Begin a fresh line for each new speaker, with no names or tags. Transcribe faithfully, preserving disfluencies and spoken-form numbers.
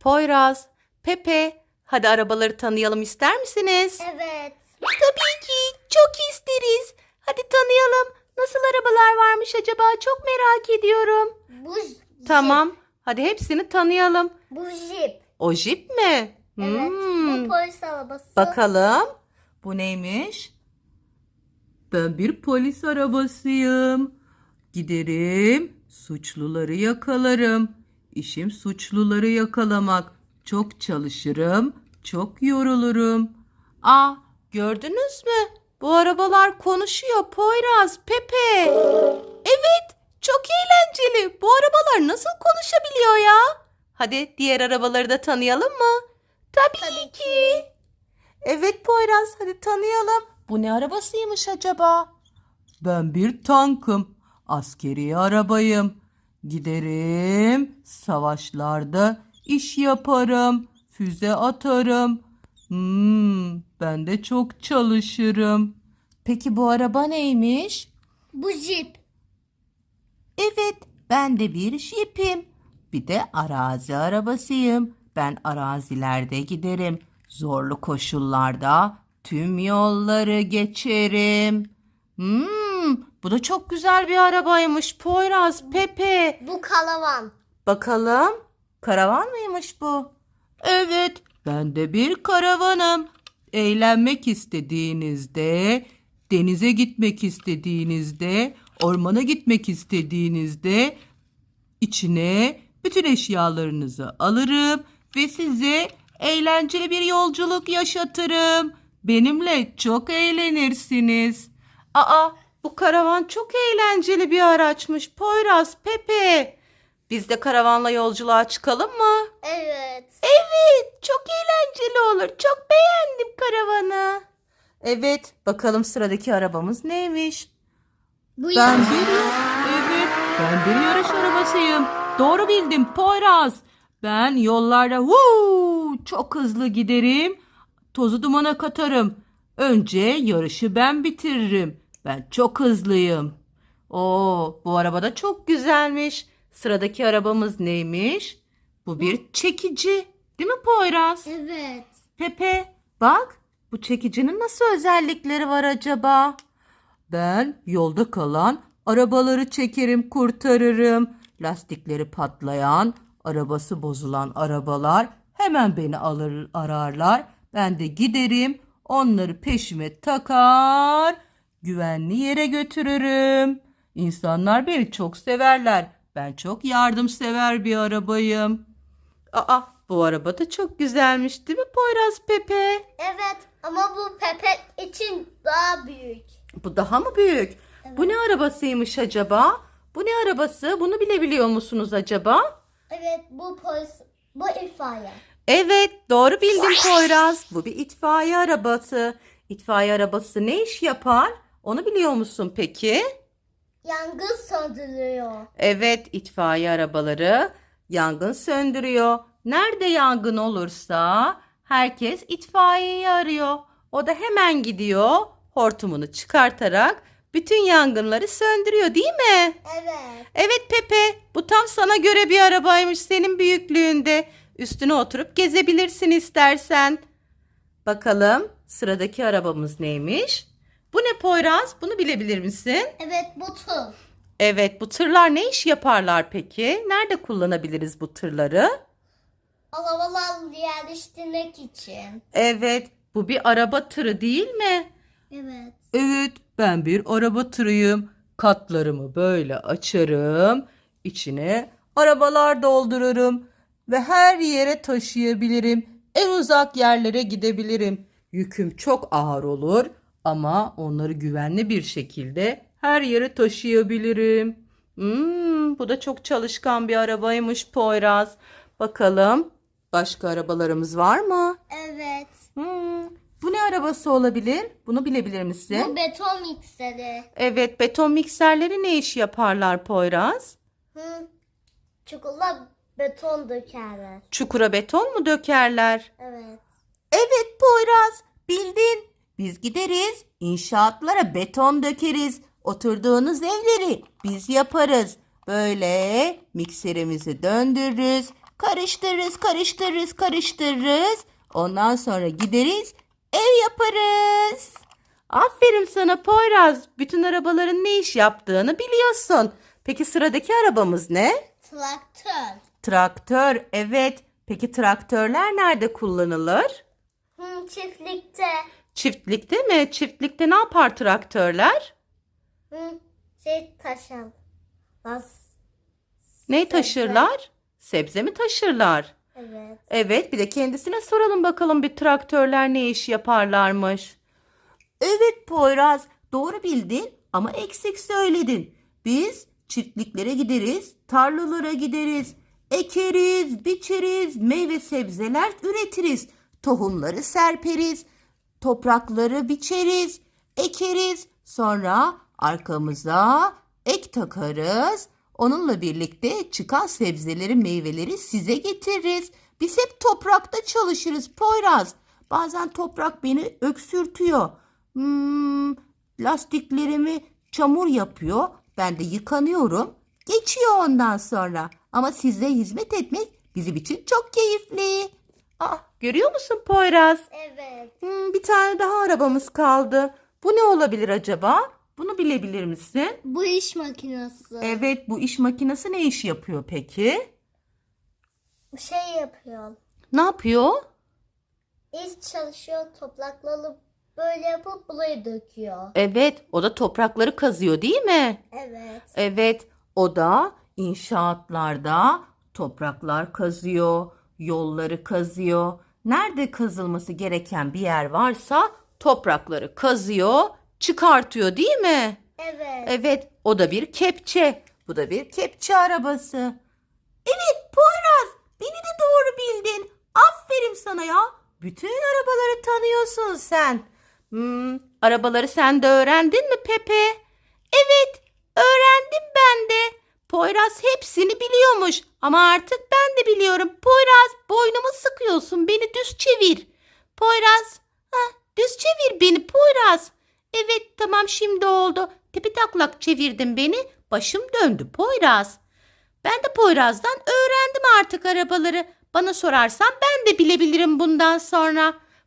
Poyraz, Pepe, hadi arabaları tanıyalım ister misiniz?
Evet.
Tabii ki, çok isteriz. Hadi tanıyalım. Nasıl arabalar varmış acaba? Çok merak ediyorum.
Bu
Tamam, hadi hepsini tanıyalım.
Bu jip.
O jip mi?
Evet.
Hmm.
Bu polis arabası.
Bakalım. Bu neymiş? Ben bir polis arabasıyım. Giderim, suçluları yakalarım. İşim suçluları yakalamak. Çok çalışırım, çok yorulurum. Aa, gördünüz mü? Bu arabalar konuşuyor Poyraz, Pepe. Evet, çok eğlenceli. Bu arabalar nasıl konuşabiliyor ya? Hadi diğer arabaları da tanıyalım mı? Tabii,
Tabii
ki. Evet Poyraz, hadi tanıyalım. Bu ne arabasıymış acaba? Ben bir tankım. Askeri arabayım. Giderim, savaşlarda iş yaparım. Füze atarım. Hmm, ben de çok çalışırım. Peki bu araba neymiş?
Bu jip.
Evet, ben de bir jipim. Bir de arazi arabasıyım. Ben arazilerde giderim. Zorlu koşullarda tüm yolları geçerim. Hmm, bu da çok güzel bir arabaymış Poyraz, Pepe.
Bu karavan.
Bakalım, karavan mıymış bu? Evet, ben de bir karavanım. Eğlenmek istediğinizde, denize gitmek istediğinizde, ormana gitmek istediğinizde içine bütün eşyalarınızı alırım ve size eğlenceli bir yolculuk yaşatırım. Benimle çok eğlenirsiniz. Aa, bu karavan çok eğlenceli bir araçmış Poyraz, Pepe. Biz de karavanla yolculuğa çıkalım mı?
Evet.
Evet, çok eğlenceli olur. Çok beğendim karavanı. Evet, bakalım sıradaki arabamız neymiş?
Bu
Ben
yarış.
bir, evet, ben bir yarış arabasıyım. Doğru bildim Poyraz. Ben yollarda huu, çok hızlı giderim. Tozu dumana katarım. Önce yarışı ben bitiririm. Ben çok hızlıyım. Oo, bu araba da çok güzelmiş. Sıradaki arabamız neymiş? Bu bir çekici. Değil mi Poyraz?
Evet.
Pepe, bak, bu çekicinin nasıl özellikleri var acaba? Ben yolda kalan arabaları çekerim, kurtarırım. Lastikleri patlayan, arabası bozulan arabalar hemen beni alır, ararlar. Ben de giderim, onları peşime takar, güvenli yere götürürüm. İnsanlar beni çok severler. Ben çok yardımsever bir arabayım. Aa, bu araba da çok güzelmiş değil mi Poyraz, Pepe?
Evet ama bu Pepe için daha büyük.
Bu daha mı büyük? Bu ne arabasıymış acaba? Bu ne arabası? Bunu bilebiliyor musunuz acaba?
Evet bu polis. Bu itfaiye.
Evet, doğru bildin Poyraz. Bu bir itfaiye arabası. İtfaiye arabası ne iş yapar? Onu biliyor musun peki?
Yangın söndürüyor.
Evet, itfaiye arabaları yangın söndürüyor. Nerede yangın olursa herkes itfaiyeyi arıyor. O da hemen gidiyor, hortumunu çıkartarak bütün yangınları söndürüyor, değil mi?
Evet.
Evet Pepe, bu tam sana göre bir arabaymış, senin büyüklüğünde. Üstüne oturup gezebilirsin istersen. Bakalım sıradaki arabamız neymiş? Bu ne Poyraz? Bunu bilebilir misin?
Evet bu tır.
Evet, bu tırlar ne iş yaparlar peki? Nerede kullanabiliriz bu tırları?
Arabalar yerleştirmek için.
Evet, bu bir araba tırı değil mi?
Evet.
Evet, ben bir araba tırıyım. Katlarımı böyle açarım. İçine arabalar doldururum ve her yere taşıyabilirim. En uzak yerlere gidebilirim. Yüküm çok ağır olur ama onları güvenli bir şekilde her yere taşıyabilirim. Hmm, bu da çok çalışkan bir arabaymış Poyraz. Bakalım başka arabalarımız var mı?
Evet.
Hmm, bu ne arabası olabilir? Bunu bilebilir misin?
Bu beton mikseri.
Evet, beton mikserleri ne iş yaparlar Poyraz?
Hı. Çukurla beton dökerler.
Çukura beton mu dökerler?
Evet.
Evet Poyraz, bildin. Biz gideriz, inşaatlara beton dökeriz. Oturduğunuz evleri biz yaparız. Böyle mikserimizi döndürürüz. Karıştırırız, karıştırırız, karıştırırız. Ondan sonra gideriz, ev yaparız. Aferin sana Poyraz. Bütün arabaların ne iş yaptığını biliyorsun. Peki sıradaki arabamız ne?
Traktör.
Traktör, evet. Peki traktörler nerede kullanılır?
Hı, çiftlikte.
Çiftlikte mi? Çiftlikte ne yapar traktörler?
Hı, şey taşın. Bas.
Ne taşırlar? Sebze mi taşırlar?
Evet.
Evet, bir de kendisine soralım bakalım bir traktörler ne iş yaparlarmış. Evet Poyraz, doğru bildin ama eksik söyledin. Biz çiftliklere gideriz, tarlalara gideriz, ekeriz, biçeriz, meyve sebzeler üretiriz, tohumları serperiz, toprakları biçeriz, ekeriz, sonra arkamıza ek takarız. Onunla birlikte çıkan sebzeleri, meyveleri size getiririz. Biz hep toprakta çalışırız Poyraz. Bazen toprak beni öksürtüyor. Hmm, lastiklerimi çamur yapıyor. Ben de yıkanıyorum. Geçiyor ondan sonra. Ama size hizmet etmek bizim için çok keyifli. Ah, görüyor musun Poyraz?
Evet.
Hmm, bir tane daha arabamız kaldı. Bu ne olabilir acaba? Bunu bilebilir misin?
Bu iş makinesi.
Evet, bu iş makinesi ne iş yapıyor peki?
Şey yapıyor.
Ne yapıyor?
İş çalışıyor, toprakları böyle yapıp buraya döküyor.
Evet, o da toprakları kazıyor değil mi?
Evet.
Evet, o da inşaatlarda topraklar kazıyor, yolları kazıyor. Nerede kazılması gereken bir yer varsa toprakları kazıyor, çıkartıyor değil mi?
Evet.
Evet, o da bir kepçe. Bu da bir kepçe arabası. Evet Poyraz, beni de doğru bildin. Aferin sana ya. Bütün arabaları tanıyorsun sen. Hmm, arabaları sen de öğrendin mi Pepe? Evet, öğrendim ben de. Poyraz hepsini biliyormuş. Ama artık ben de biliyorum. Poyraz, boynumu sıkıyorsun. Beni düz çevir. Poyraz, heh, düz çevir beni Poyraz. Evet, tamam şimdi oldu. Tepe taklak çevirdin beni. Başım döndü Poyraz. Ben de Poyraz'dan öğrendim artık arabaları. Bana sorarsan ben de bilebilirim bundan sonra.